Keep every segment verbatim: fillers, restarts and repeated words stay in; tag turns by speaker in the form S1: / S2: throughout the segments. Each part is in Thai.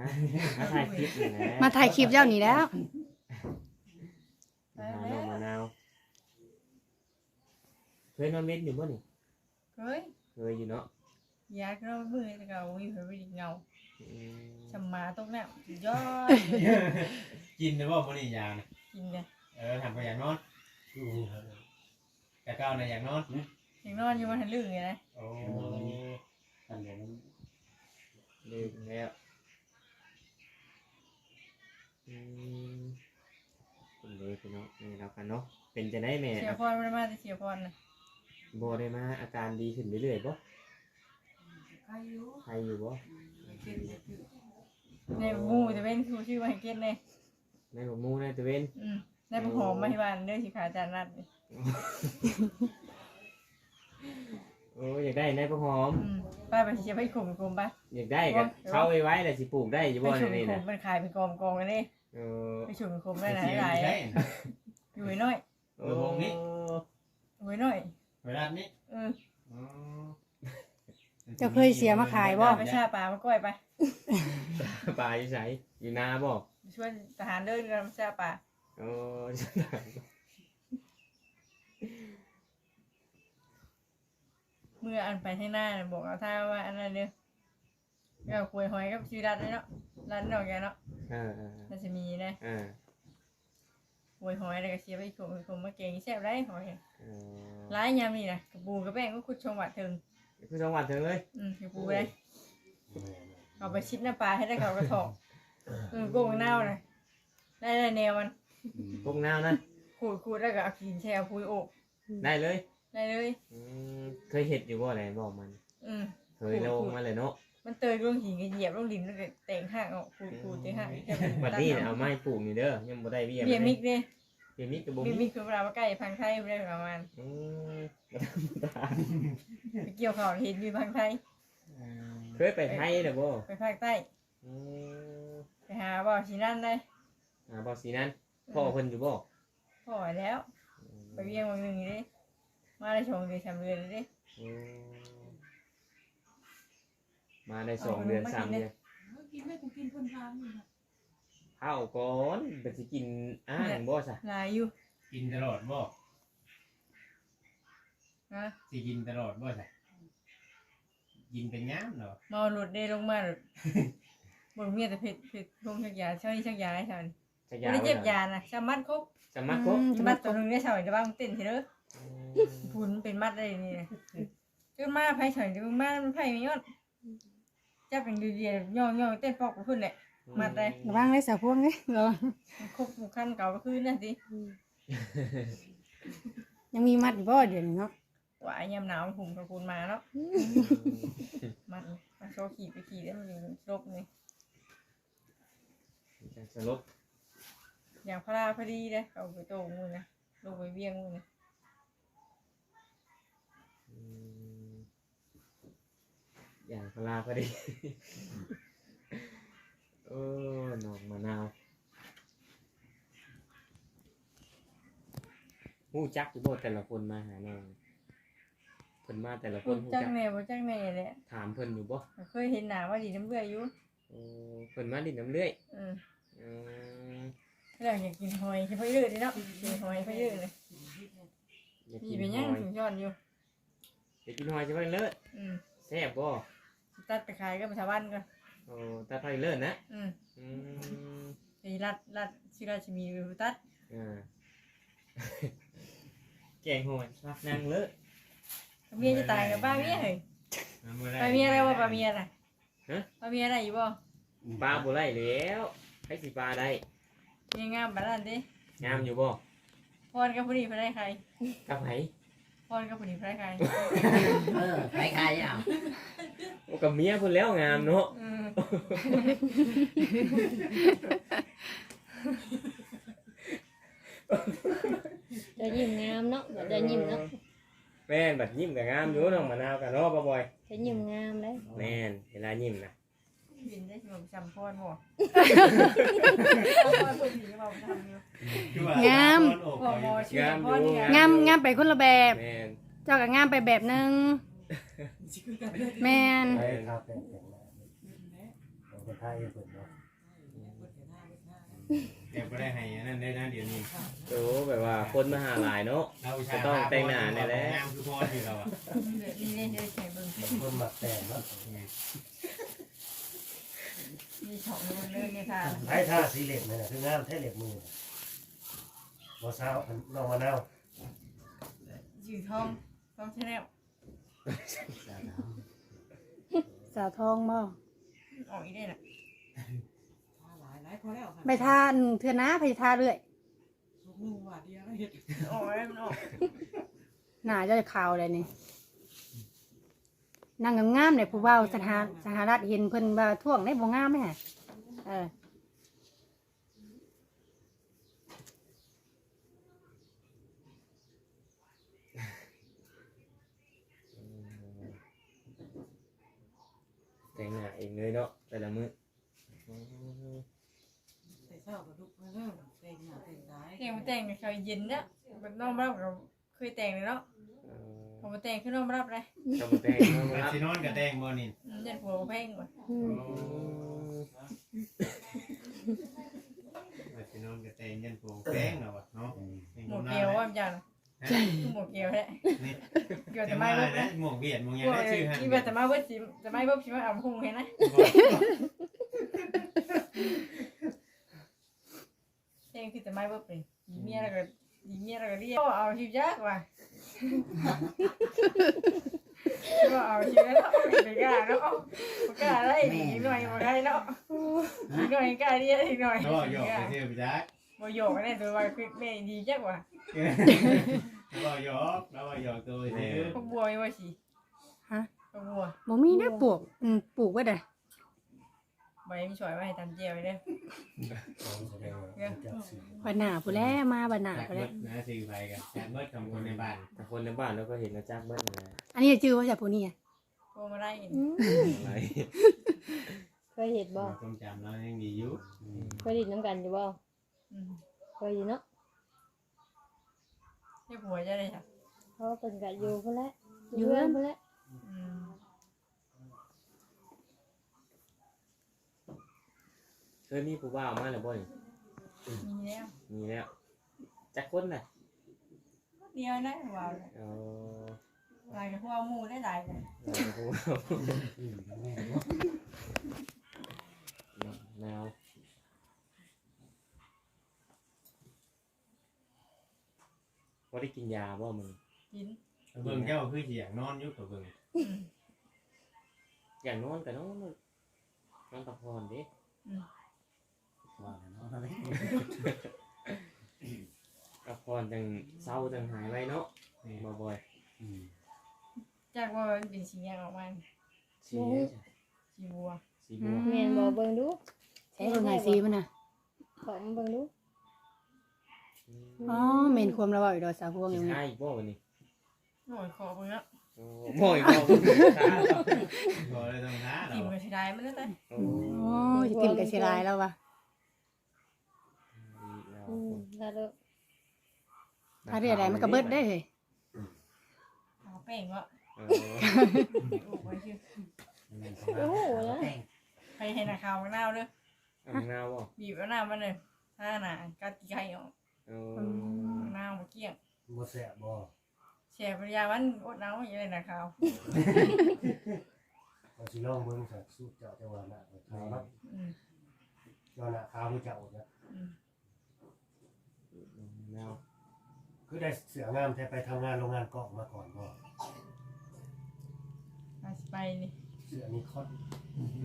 S1: มาถ่ายคลิปนี่นะ
S2: มาถ่ายคลิปเจ้านี่แล้ว
S1: หาน้องมะนาวเคยนอนเม็ดอยู่บ่นี่
S3: เฮ้ย
S1: เคยอยู่เนาะ
S3: ยาก็มือแต่เก่ามีเผยไปดิเงา
S1: อืม
S3: ชำมาตรงนั้นยอด
S4: กินนะว่ามื้อนี้ยานะ
S3: กินเลย
S4: เออทำไปอย่างนอนแต่ก้าวในอย่างนอน
S3: ยังนอนอยู่มันทะลึ่งไงนะ
S4: โอ้
S5: อันเดียวนั้น
S1: ลืมแล้วอืมคุณเลยพี่น้องนี่แล้วกันเนาะเป็นจะได้แม่
S3: เสียพรมันมาแต่เสียพรนะ
S1: บ่ได้มาอาการดีขึ้นเรื่อยๆบ่
S3: อายุ
S1: ใครอยู่บ่
S3: ในมูจะเป็นครูชื่อมาให้เก็ตเลย
S1: ในบ่มูในตะเวน
S3: อืมได้ประหอมมาที่บ้านเด้อสิขาจานนัด
S1: โอ้อยากได้ในพะหอม
S3: อืมป้าไปเชียร์ไปข่มข่มไป
S1: อยากได้ก็เข้าไว้ไว้แล้วสิปลูกได้อยู่
S3: ไป
S1: บ่
S3: ฉุน
S1: ในนี่
S3: ข่
S1: น่ะ
S3: มมันขายเป็นกองกองกันนี่
S1: เออ
S3: ไปฉุนข่มได้หลาย
S4: เสีย
S3: หลาย
S4: ใช่
S3: อยู่น้อย
S1: โอ้
S3: อยู่น้อย
S4: เวลานี้
S3: เออ
S2: เจ้าเคยเสียมาขายบ่
S3: ไปชาปลามาก้อยไป
S1: ปลาอยู่ไสอยู่นาบ่
S3: ช่วยทหารเดินกันชาปลา
S1: โอ้
S3: เมื่ออันไปที่หน้าบอกเอาท่าว่าอันนั้นเนี่ยเอาคุยหอยกับชีรัดเลยเนาะรัดดอกแกเนาะ
S1: เออเออ
S3: มันจะมีนะ
S1: เออ
S3: คุยหอยแล้วก็เชียร์ไปข่มข่มมาเก่งแซ่บไรหอย
S1: เออ
S3: ร้ายยามนี่นะกระปูกระแป้งก็คุดชงหวัดถึง
S1: คือจังหวัดเถิงเลย
S3: อืมกระปูเลยเอาไปชิดหน้าปลาให้ได้เขากระถอกเออโกงเน่าเลยได้ได้แนวมัน
S1: พวกนาวนะ
S3: ขูดขูดแล้วก็เอาขีนแช่พุยโอก
S1: ได้เลย
S3: ได้เลย
S1: อืมเคยเห็ดอยู่บ่อะไรบอกมัน
S3: อืม
S1: เคยลงมาเลยเนาะ
S3: มันเตยลงหินก็เหยียบลงดินแล้วก็แต่งห่างออกขูดขูดแต่ห่าง
S1: บัดนี้น่ะเอาไม้ปลูกนี่เด้อยังบ่ได้เบี้ย
S3: เบียมิกเด้
S1: เบี้ยมิกกับบ่
S3: เบีย
S1: มี
S3: มิกคือเวลามาใกล้พังไทยไม่ได้ประมาณ
S1: อืมบ่ธรรมดา
S3: ไปเกี่ยวข่าวเห็นอยู่พังไทย
S1: เคยไปไทยเด้อบ่
S3: ไปภาคใต้
S1: อืม
S3: ไปหาบ่อชีนั่นได้
S1: อ่าบ่สีนั้นพ่อเพิ่นอยู่บ่
S3: พอแล้ว ไปเวียงวันหนึ่งนี่ดิมาได้ชงเดือนสามเดือนเลยดิ
S1: อืมมาได้สองเดือนสามเดือน
S6: กินไม่กูกินคนทางนี่นะ
S1: ข้าวก่อนเป็นสิกินอ้างบ่ซะ
S3: ลายอยู่
S4: กินตลอดบ่
S3: นะ
S4: สิกินตลอดบ่ใช่กินเป็นงามเนาะ
S3: เมาหลุดเด้ลงมาหลุดบนเมียแต่เผ็ดเผ็ดลงชักยาเช่านี่ชักยาให้ฉัน
S1: จะ
S3: ไม่ได้เจ็บยานะสามัดครบ
S1: จะมาครบ
S3: สามัดตัวหนึงได้เฉยจะบ้างเต้นเถอะพุนเป็นมัดได้นี่นะจนมาไผ่เฉยจนมามันไผ่ไม่ยอดจับเป็นดีๆย่องย่องเต้นปอกขึ้นแหละมัดได้
S2: ระวังเลยสาวพวงเลยระวัง
S3: ครบหมู่ขั้นเก่าก็คือนั่นสิ
S2: ยังมีมัดอยู่บ่เดี๋ยวนี้เนาะ
S3: ว่ายามหนาวหุ่มกับคุณมาเนาะมันมาโชว์ขี่ไปขี่ได้มันอยู่ลบนี่
S1: จะสลบ
S3: อย่างพระราพอดีเลยเอาไปโตมือนะลงไปเวียงมือนะ
S1: อืมอย่างพลาพอดี โอ้หนอกมะนาวฮู้จักอยู่บ่แต่ละคนมาหาน้องเพิ่นมาแต่ละค
S3: พู
S1: น
S3: ด
S1: ฮู้
S3: จั
S1: จั
S3: ง
S1: ก
S3: แน่บ่จังแน่แหละ
S1: ถามเพิ่นอยู่บ่
S3: เคยเห็นหนาว่าดีน้ำเบื่ออยู่
S1: โอ้เพิ่นมาดินน้ำเลื่อย
S3: อืม
S1: อืม
S3: เรื่องอยากกินหอยใช่ไหมเยอะดิเนาะกินหอยไปเยอะเลย
S1: อยาก
S3: พี่
S1: กิน
S3: เป็น
S1: ห
S3: ยัง
S1: อย
S3: ถึงยอดอยู่
S1: อยากกินหอยใช่ไหมเลิศ
S3: อืม
S1: แซ่บบ่
S3: ตัดไปขายก็ไปชาวบ้านก่อน
S1: โอ้ตาไทยเลิศนะ
S3: อืม
S1: อืม
S3: ไอ้รัดรัดชื่อราชมีไปตัด
S1: อ่า แกงหอยรักนางเลิศ
S3: เมียจะตายกับป้าเมียเหรอ
S4: มื้อใด
S3: ป้าเมียอะไรวะป้าเมียอะไรป้าเมียอะไรอยู่บ่
S1: ปลาบ่ได้แล้วให้สิปลาได้
S3: เมียงามบ้านนั่นดิ
S1: งามอยู่บ่
S3: พรกับผู้ดีพระได้ใคร
S1: กับไผ
S3: พรกับผู้ดีพระได้ใคร
S5: เออใครใครอ่ะ
S1: โอ้กับเมียเพิ่นแล้วงามเนาะ
S3: อืม
S7: เดี๋ยวยิ้มงามเนาะเดี๋ยวยิ้มเนาะ
S1: แม่นบัดยิ้มก็งามอยู่น้องมะนาวก็เนาะบ่บ่อย
S7: เดี๋ยวยิ้มงามเลย
S1: แม่นเวลายิ้มนะ
S3: บินได้ชิมจำพรบ่พรผู้ดีก็บอกทำอยู่
S4: คือว่
S2: งาม
S4: ตอน
S3: บ่
S4: อก
S3: บ่
S4: ไป
S3: ชื่อพรนี่
S2: งามงามไปคนละแบบ
S1: แม่น
S2: เจ้าก็งามไปแบบนึงแม่น
S5: ใครครับเป็นเป็นคน
S8: ท่าเองเพิ่นเนาะ
S1: แต่บ่ได้ให้อันนั้นได้นะเดี๋ยวนี้
S9: โอ้แบบว่าคนมาหาหลายเนาะ
S1: เราอุต
S9: ก็
S1: ส่าห์
S9: ต้องแต่งหน้าแน่แหละ
S1: งามคือพ่อที่เราอ่ะ
S3: นี่เล่นได้ใช้เบิ่ง
S8: คนหมักแต่งเนาะ
S3: มีช่องนึงเลยเนี่ยค่ะ
S8: ไอ้ท่าสีเหล็กนี่น่ะคืองามแท้เหล็กมือบ่ซาวน้องมะนาว
S3: อยู่ท้องท้องชาแนล
S2: สาวทองบ่
S3: ออกอีได้น่ะ
S6: หลายหลายพอแล้วค่ะ
S2: ไปทานเทื่อนะไปทาเรื่อย
S6: ลูกมือว่าเดียวเฮ็ด
S3: ออกได้มันออก
S2: หน้าจะขาวเลยนี่นางงามๆเนี่ยผู้เว้าสถานสหรัฐเห็นเพิ่นว่าท่วงได้บ่งามไหมฮะเออ
S9: แต่งหน้าเองเลยเนาะแต่ละมื้อ
S6: แต่เช้าก็ลุกมาเริ่มแต่งหน้าแต่งกาย
S3: แต่งมาแต่งกับเขาเย็นนะมันน้องรับกับเคยแต่งเลยเนาะ
S9: เออ
S3: ผมมาแต่งขึ้นน้องรับเลย
S9: ก็บ่แต่งเนาะบ่รับ
S1: สินอนกับแดงบ่นี่
S3: เด็ดหัวแพงว่ะ
S7: อืม
S1: สินอนกับแดงยันโปงแดงแล้วอ่ะเนาะ
S3: หมวกเกลียวว่ามันจังคือหมวกเกลียวแท้
S1: นี่
S3: เกลียว
S1: แต่
S3: แต่
S1: ไม่
S3: ไม่
S1: เบิ
S3: เบิ้
S1: ด
S3: ล
S1: นะหมวกเวียดหมวกหยัง
S3: กลัว
S1: ได้ชื่อหั่น
S3: ที่ว่าแต่ไม่เบิ้ลสิแต่ไม่เบิ้ลสิมาอ่ำพุงเห็นนะเองคือแต่ไม่เบิ้ลเป็นยีเมียแล้วก็ยีเมียแล้วก็เรียกเอาชิวยากว่ะก็เอาชิวแล้วไปกล้าแล้วเอากล้าได้อีกหน่อยมาได้แล้วอีกหน่อยกล้าเรียกอีกหน่อย
S1: ก็หยอกไปชื่อไปจัก
S3: บ่โยกได้ตัวว่าคือแม่ดีจักว่ะ
S1: เราหยอกเราหยอกตัวซื่อ
S3: พวกบัวมีว่าสิ
S2: ฮะ
S3: พวกบัว
S2: บ่มีนะปลูกอืมปลูกไว้เด้อ
S3: ใบมันสวยไว้ให้ตำเจียวไว้เด้อ
S8: แสดงว่าจักสี
S2: บัดหน้าผู้แลมาบัดหน้า
S1: จัก
S2: ผู้
S1: เบิ
S2: แล
S1: ดนะซื้อไปกันจักเบิดกับคนในบ้าน
S9: แต่คนในบ้านเราก็เห็นนะจักเบิดนั่นแหละ
S2: อันนี้ชื่อว่าจากผู้นี้อ่ะ
S3: พวกมาได้กิน
S7: อืม
S9: อะไร
S7: เคยเห็นบ่
S1: ความจำเรายังดีอยู่
S7: เคยไดยินน้ำกันอยู่บ่
S3: อืม
S7: เคยอยู่เนาะ
S3: เรียกผัวจะได้จ้ะ
S7: เพราะว่าเพิ่นก็อยู่พุ่นแหละอยู่เรือนพุ่นแหละ
S3: อืม
S9: เคยมีผู้บ่าวมาแล้วบ่นี่
S3: มีแล้ว
S9: มีแล้วจักคนน่ะ
S3: เดียวนะว้าว
S9: เออ
S3: ลายกับพวกหมูได้หลายเลย
S9: เอาผู้บ่าว
S8: อืมแม่เนาะ
S9: แนวบ่ได้กินยาบ่มึง
S3: กิน
S1: เบิ่งเจ้าคือสิอยากนอนอยู่กับเบิ่ง
S3: อืม
S9: อย่างนอนก็นอนนอนพักผ่อนเด้
S3: อืม
S5: ว่าแล้วเนาะอะไร
S9: พักผ่อนจังเศร้าจังหายไว้เนาะ
S1: นี่
S9: บ่บ่อย
S8: อืม
S3: จากว่ามันเป็นสีแดงออกมา
S9: สี
S3: สีบัว
S9: สีบัว
S7: แม่นบ่เบิ่งดู
S2: ใช้เบิ่งให้สีมันน่ะ
S7: ขอมาเบิ่งดู
S2: อ๋อแม่นความระเว้าอยู่ดอกสาวพวง
S9: สี
S2: อย่างนี้
S9: ท้ายอีกบ่วันนี้
S3: หน่อยคอเบิ่งแล้ว
S9: โอ้บ่อยบ่ท้า
S1: ก็เลยต้องท้าเรา
S3: กินกับสีได้มันนั่นแหละ
S9: โอ้
S2: โอ้ยติ่มกับสิลายแล้วว่ะ
S7: อืมแล้วเด้อ
S2: ถ้าเรียกอะไรมันก็เบิดได้เลย
S3: เอาแป้งวะ
S9: เออ
S3: โอ้ไว้ชื่อ
S5: แม่นของเราเราแต่ง
S3: ใครเห็นหน้าขาวมะนาวเด้อ
S9: เอามะนาวบ่
S3: บีบมะนาวมันเลยถ้าหนากัดกี่ไข่ออก
S9: เออ
S3: มะนาวมาเกลี้ยง
S8: บ่แซ่บบ่
S3: แช่ปริยามันอดน้ำอย่างไรหน้าขาว
S8: เราสิลองเบิ่งสักสูตรเจ้าจังหวะน่ะขาวเนาะ
S3: อืม
S8: เจ้าน่ะขาวคือเจ้านะ
S3: อืม
S9: มะนาว
S8: คือได้เสืองามแท้ไปทำงานโรงงานกอกมาก่อนบ่
S3: อาสิไปนี่
S8: เสือนี่คอน
S9: อืม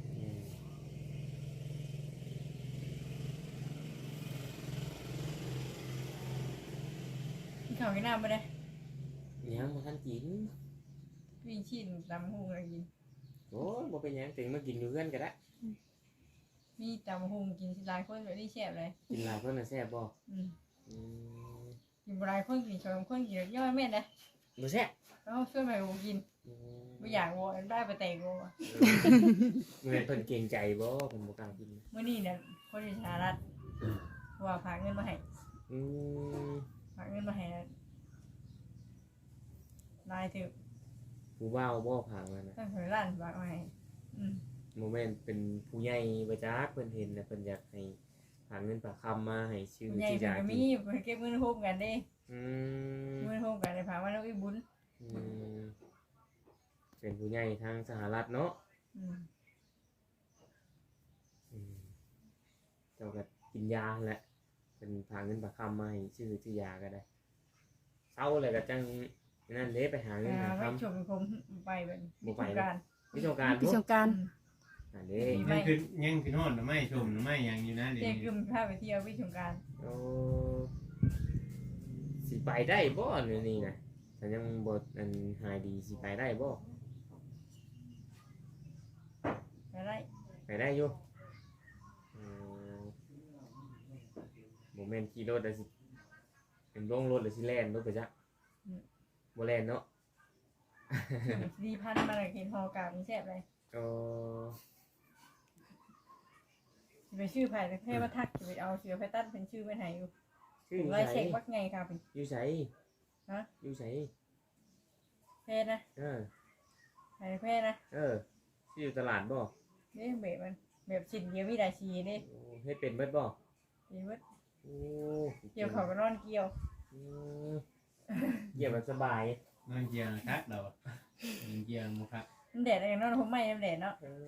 S3: กินข้าวกินน้ำไปเลย
S9: ยังบ่ทันกิน
S3: วิ่งชิ้นตำหุงอะไรกิน
S9: โอ้ยบ่เป็นหยังถึงมากินอยู่เพื่อนก็ได้
S3: มีตำหุงกินหลายคนแบบนี้แซ่บเลย
S9: กินหลายเพิ่นน่ะแซ่บบ่
S3: อืม
S9: อืม
S3: กินหลายคนกินสองคนกินย่อยแม่นเลย
S9: บ่แซ่บ
S3: แล้วช่วยไปกูกิน
S9: อืม
S3: ไม่อยากวัวได้ไปแต่งวัว
S9: เงินเพิ่นเกรงใจบ่เพิ่นบ่กล้ากิน
S3: เมื่อนี้เนี่ยคนที่สหรัฐว่าฝากเงินมาให้
S9: อืม
S3: ฝากเงินมาให้นายถือ
S9: ผู้บ่าวบ่ผ่านมานะ
S3: ตั้งหอยล้านฝากมาให้อืม
S9: อโมเมนต์เป็นผู้ใหญ่บ่จักเพิ่นเห็นน่ะเพิ่นอยากให้หาเงินฝากคำมาให้ชื่อ
S3: ใหญ่
S9: ชื่อ
S3: เพิ่น
S9: ยา
S3: ก็
S9: กิ
S3: มี
S9: น
S3: เพิ่นเก็บเงินโฮมกันเด้
S9: อืม
S3: เงินโฮมกันได้พาว่าน้องอีบุญ
S9: อืมเป็นผู้ใหญ่ทางสหรัฐเนาะ
S3: อืม
S9: อืมเจ้าก็กินยาแหละเป็นพาเงินฝากคำมาให้ชื่อชื่อยาก็ได้เศร้าเลยก็จังนั่นเด้ไปหาเงิน
S3: อ่า
S9: หา
S3: ไว้
S9: คำ
S3: ชมผมไปแบบ
S9: บ่ไป
S3: สงกรานต์
S9: วิชาการ
S2: ที่สงกราร
S9: อันนี้
S3: ไม่
S1: ยังคือยังคือโน่นหรือไม่ชมหรือไม่ยังอยู่นะเดี๋ยว
S3: เจ๊
S1: นี้
S3: กึมพาไปเที่ยววิสงกรานต์
S9: โอ้สิไปได้บ่เนี่ยวนี่นะแต่ยังบ่อันหายดีสิไปได้บ่
S3: ไปได้
S9: ไปได้อยู่อืมบ่แม่นขี่รถแล้วสิเป็นลงรถแล้วสิแล่นรถไปจ้ะบ่แล่นเนาะ
S3: ดีพันมาเลยกินฮอกาเป็นแซ่บเลย
S9: โอ้
S3: สิไปชื่อไผ่แค่ว่าทักสิไปเอาเสือไผ่ตัดเป็นชื่อไว้ไหนอยู่
S9: ชื่ออยู่
S3: ไล่
S9: ไส
S3: เช็ควักไงค่ะเป็น
S9: อยู่ไส
S3: ฮะ
S9: อยู่ไส
S3: เพศนะ
S9: เออ
S3: ไผ่เพศนะ
S9: เออชื่ออยู่ตลาดบ่
S3: นี่แบบมันแบบชิ้นเดียวมีได้ชีนี่
S9: โอ้เฮ็ดเป็นเบิดบ่
S3: ดีเว้ย
S9: โอ้
S3: เกี่ยวเขาก็นอนเกี่ยว
S9: อืมเกี่ยวแบบสบาย
S1: นอนเกียงคักเรานอนเกียงมุคัก
S3: มันแดดอะไรนอนผมไม่มันแดดเนาะ
S9: เออ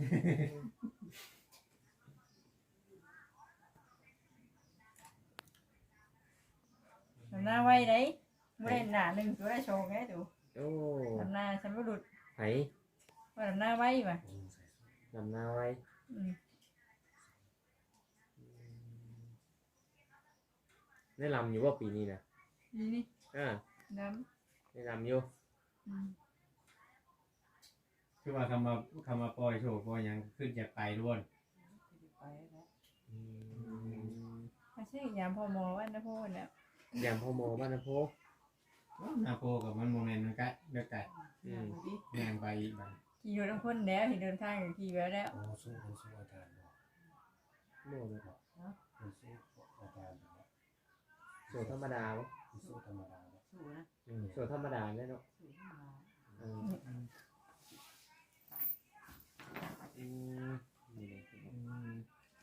S3: ทำหน้าไว้ได้ไม่ได้หนาหนึ่งตัวได้โชว์ไงดู
S9: โอ้
S3: ทำหน้าฉันไม่หลุด
S9: ไผ
S3: ว่าทำหน้าไว้ป่ะ
S9: ลำนาไว้
S3: อืม
S9: ได้ลำอยู่ว่าปีนี้นะ
S3: นี่นี่
S9: อ่า
S3: น้
S9: ได้ลำอยู่
S3: ำอืม
S1: คือว่าคำว่าคำว่าปล่อยโชว์ปล่อยหยังขึ้นจากไปด้วน
S6: ไปแล้ว
S9: อืม
S3: ไม่ใช่ยามพอมอว่านะพ่อเนี่ย
S9: ยามพ่อโมบ้านนะโพ
S1: นาโพกับมันโมเมนต์มันก็เลือกไก่
S9: อืม
S6: ดิ
S1: ย่างไปอีกบัน
S3: ขี่อยู่ทั้งคนแล้วเห็นเดินทางอยู่ขี่แล้วแล้ว
S8: โอ้สู้มันสู้อาจารย์บอก
S9: โม่เลย
S8: มันสู้อาจารย์บอก
S9: โซธรรมดาบ่
S8: มันสู้ธรรมดาบอก
S6: สู้นะ
S9: อืมโซธรรมดาเนี่ยเนาะ
S6: สู้ขึ้นมา
S9: อืมอืมนี่เลยอืม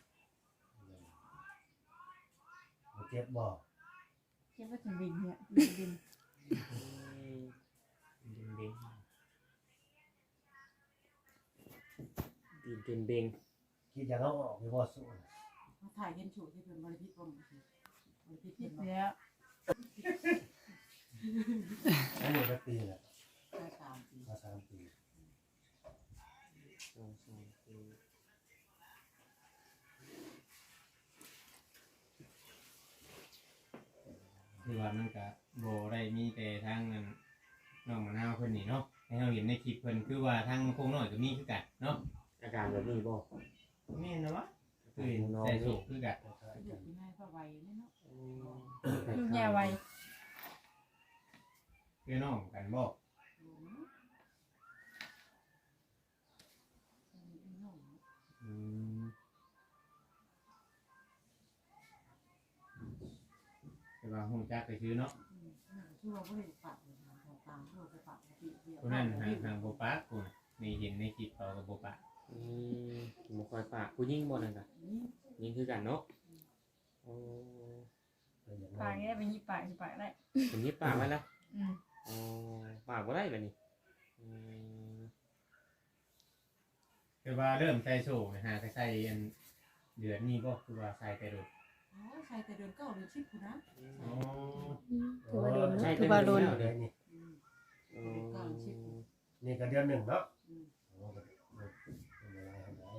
S8: มันเจ็บบอก
S3: คิดว่าถึงบินเนี่ยบิน
S9: ดิงดิงดินเป็นเบง
S8: คิดอย่างเอาออกไปว่าสู้นะ
S6: มาถ่ายเห็นชูที่เป็นบริพิตรบ้างสิบริพิตร
S3: คิ
S6: เห็
S3: ด
S6: นบ้าง
S3: แล้ว
S8: อันนี้ก็ปีแหละ
S6: แค่สามปี
S8: มาสามปี
S9: สองสองสี่
S1: คือว่ามันก็โบได้มีแต่ทางนั้นน้องมะนาวเพิ่นนี่เนาะให้เราเห็นในคลิปเพิ่นคือว่าทางโคงน้อยก็มีคือกันเนาะ
S9: อาการแบบนี้บ่
S1: แม่นนะวะคือเห็นแต่โชว์คือกัน
S8: คล้ายๆ
S6: เด็
S8: กั
S6: ก
S8: น
S6: ที่ให้พ่อไวนี่เนาะ
S3: ลูกยาไว
S1: คือน้องกันบ่
S6: ดูนะน้อง
S1: อืมแต่ว่าฮู้จักก็คือเนาะ
S6: ช่วยไม่ได้ปากเลยนะของตามช่วยไปปากปกติเดียว
S1: คนนั้นทางทางบ่ปากกูน่ะนี่เห็นในคลิปเขาก็บ่ปาก
S9: อืมบ่ค่อยปากผู้หญิงบ่นั่นน่ะ
S6: นี่
S9: ยิงคือกันเนาะโอ้
S8: เป็นอย่าง
S3: ปา
S8: นั้
S3: ก
S8: น
S3: นี้เป็นยี่ปากยี่ปากได้
S9: เป็นยิบปากไว้แล้ว
S3: อืม
S9: อ๋อปากบ่ได้แบบนี้อืม
S1: คือว่าเริ่มใส่โชว์นะฮะใส่อันเดือนนี้บ่คือว่าใส่แต่โดด
S6: อ๋อใส่แต่เดือนเก้าเดือนสิบคุณนะ
S1: อ๋อ
S7: ถือว่าโดน
S9: ใช่
S7: เนาะ
S2: คือว่าโดน
S8: เดือนนี้
S9: อ๋อ
S6: เก้าสิบ
S8: นี่ก็เดือนหนึ่งเนาะ
S6: อืม
S8: โอ้ก็ไม่เป็นไรทำไร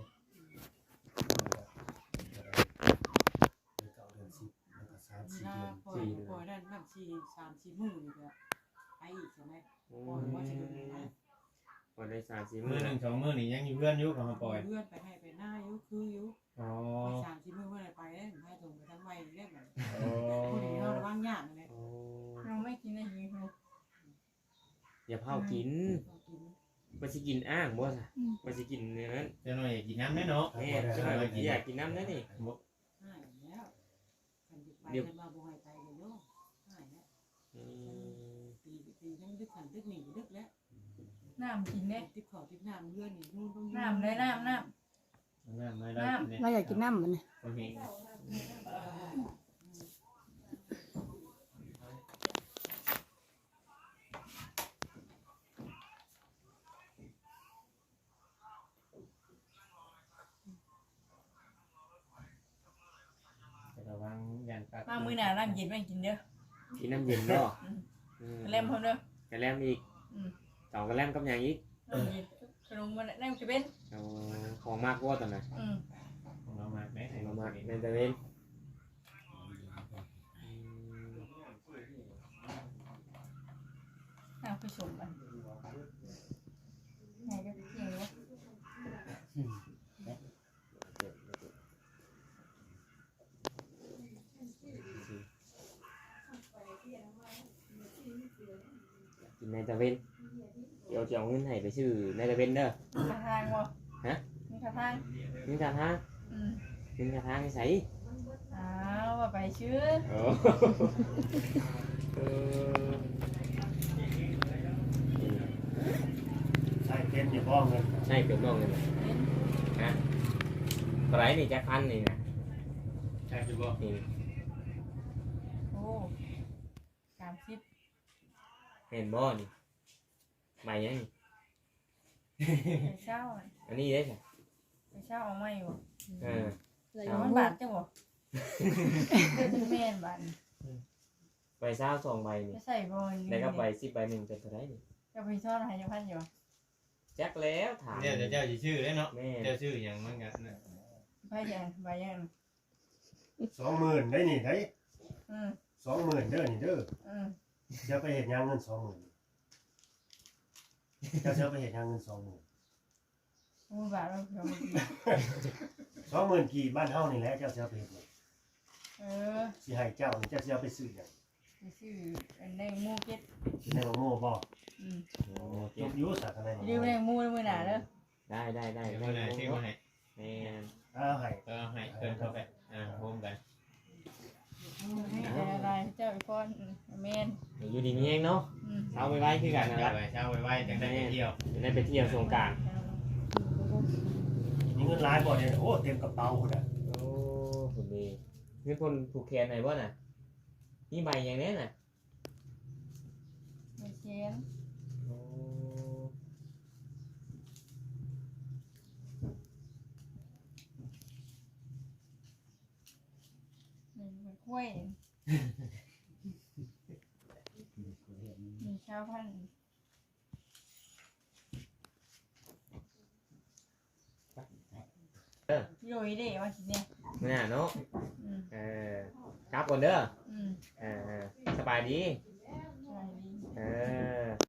S8: เดือนเก้าเดือนสิบแล้วก็สาม
S6: มี
S8: สี่
S6: นา
S8: เดือน
S6: ปล่อยปล่อยได้นั่งสี่สามสี่มือนี่ก็ไปอีกใช่ไหม
S9: อื
S6: ปล่อยว่าจะเดินไป
S9: พอได้สามสี่
S1: มื
S9: มื้
S1: อ
S9: อ
S1: หนึ่งสองมือนี่ยังอยู่เพื่อนอยู่เขามาปล่อย
S6: เลื่อนไปให้ไปหน้ายุคือยุ
S1: อ๋อ
S6: ไปสามสี่มือเมื่อไรไปได้ให้ตรงไปทั้งวัยเรียกแบบ
S1: อ๋อ
S6: คนนี้เราระวังยากเลย
S9: อ๋อ
S3: เราไม่กินได้ยิงเขา
S9: อย่าเผากิน
S6: เรากิน
S9: บ่สิกินอ้างบ่ซะบ่สิกินอย่างนั้น
S1: เจ้าหน่อยอยากกินน้ำแน่เนาะ
S9: แม่จะมาอยากกินน้ำได้นี่
S1: บ่
S6: หายแล้วกันไปกันมาบ่ให้ไปกันโยหายแล้ว
S9: อืม
S6: ตีตียังดึกขันดึกหนีดึกแล้ว
S3: น้ำกินเนี่ย
S6: ติดขอติดน้ำเลื่อนนี่นู่นต้อง
S3: น้ำได้น้ำน้
S1: น้ำไม่ได้เนี่ย
S2: เราอยากกินน้ำมันน่ะ
S1: โอเคระวังยันปัก
S3: มามื้อหน้าน้ำเย็นมากินเด้อ
S9: กินน้ำเย็นเนาะอืม
S3: เล่มพร้อมเด้อก
S9: ระแลมอีก
S3: อืม
S9: สองกระแลมกับหยังอีก
S3: น้ำเย็นขนมมันน้ำจะเป็น
S9: เอาของมากกว่าตอนนั้น
S3: อืม
S1: ของเรามาไหม
S9: เอามากในตะเวนอืม
S3: น้ำคือชมมันไงก็เที่ยงวะ
S9: กินในตะเวนเดี๋ยวจะเอาเงินให้ไปซื้อในตะเวนเด้อ
S3: ท่าทางวะ
S9: ฮะ
S3: มีท่าทาง
S9: เงินกระทาง
S3: อืม
S9: เงินกระทางใส่
S3: อ้าวว่าไปชื่อ
S9: โอ้เออ
S8: ใส่เป็นอย่าบ้องเงิน
S9: ใช่เป็นบ้องเงินฮะเท่าไหรนี่แจ็คพันนี่นะ
S1: ใช่คือบ่
S9: นี่
S3: โอ้สามสิบ
S9: เห็นบ่นี่ใหม่ยังนี่
S3: ไปเช่าอะ
S9: อันนี้ได้ใช่
S3: ไปเช่าเอาไม่วะ
S9: เออ
S7: เลย
S3: เอามันบาทจังวะเดือนแม่นบาท
S9: ใบเศร้าสองใบนี่
S3: จะใส่บอล
S9: แล้วก็ใบสิบใบหนึ่งเป็นเท่าไหรนี่
S3: จะไปซ่อนหายพันอยู่
S9: แจ็คแล้วถาม
S1: เนี่ยเจ้าจะชื่อได้เนาะ
S9: แม่
S1: เจ้าชื่ออย่างมันกันนะ
S3: ใบยังใบยัง
S8: สองหมื่นได้นี่ได้
S3: อืม
S8: สองหมื่นเด้อนี่เด้อ
S3: อืม
S8: จะไปเห็นยังเงินสองหมื่นจะจะไปเห็นยังเงินสองหมื่น
S3: มูบาทเราเดี๋ยว
S8: สองหมื่นกี่บ้านเฮานี่แหละเจ้าจะไปเห็น
S3: เออ
S8: สิให้เจ้านี่เจ้าจะเอาไปซื้อหยัง
S3: ไปซื้อในมูเก็ต
S8: สิให้บ่โง่บ่
S3: อืม
S9: โอ้
S8: จ
S9: เจ็บบ
S8: อยู่สาธารณะ
S3: ยืมในมูมือหนาเด้อ
S9: ได้ได้ได้
S1: เดี๋ยว
S9: ได้
S1: เมื่อไหร่ชื่อมาให้
S9: แม่น
S8: เอาให้
S1: ก็ให้เพิ่นเข้าไปอ่าโฮมกัน
S3: ให้อะไรเจ้าอีกคนแมน
S9: อยู่ดีนี่เองเนาะ
S3: อืม
S9: เช้าไว้ไว้คือกันนะ
S1: เช้า
S9: ครับ
S1: ไปเช้าไว้ๆจังได้ไปเที่ยว
S9: จะได้ไปเที่ยวสงกราร
S8: มีเงินหลายบ่เนี่ยโอ้เต็มกระเป๋าพุ่นน่ะ
S9: โอ้คุณดีเงินคนผูกแขนไหนบ่น่ะนี่ใบอย่างนี้น่ะ
S3: ไม่เชียน
S9: โอ้
S3: นี่มันกล้วยมีชาวพันธุ์ โยยเด้ว่าสิเนี่ย
S9: ไม่น่าเนาะ
S3: อืม
S9: เออครับก่อนเด้อ
S3: อืม
S9: เออสบายดี
S3: อะไรดี
S9: เออ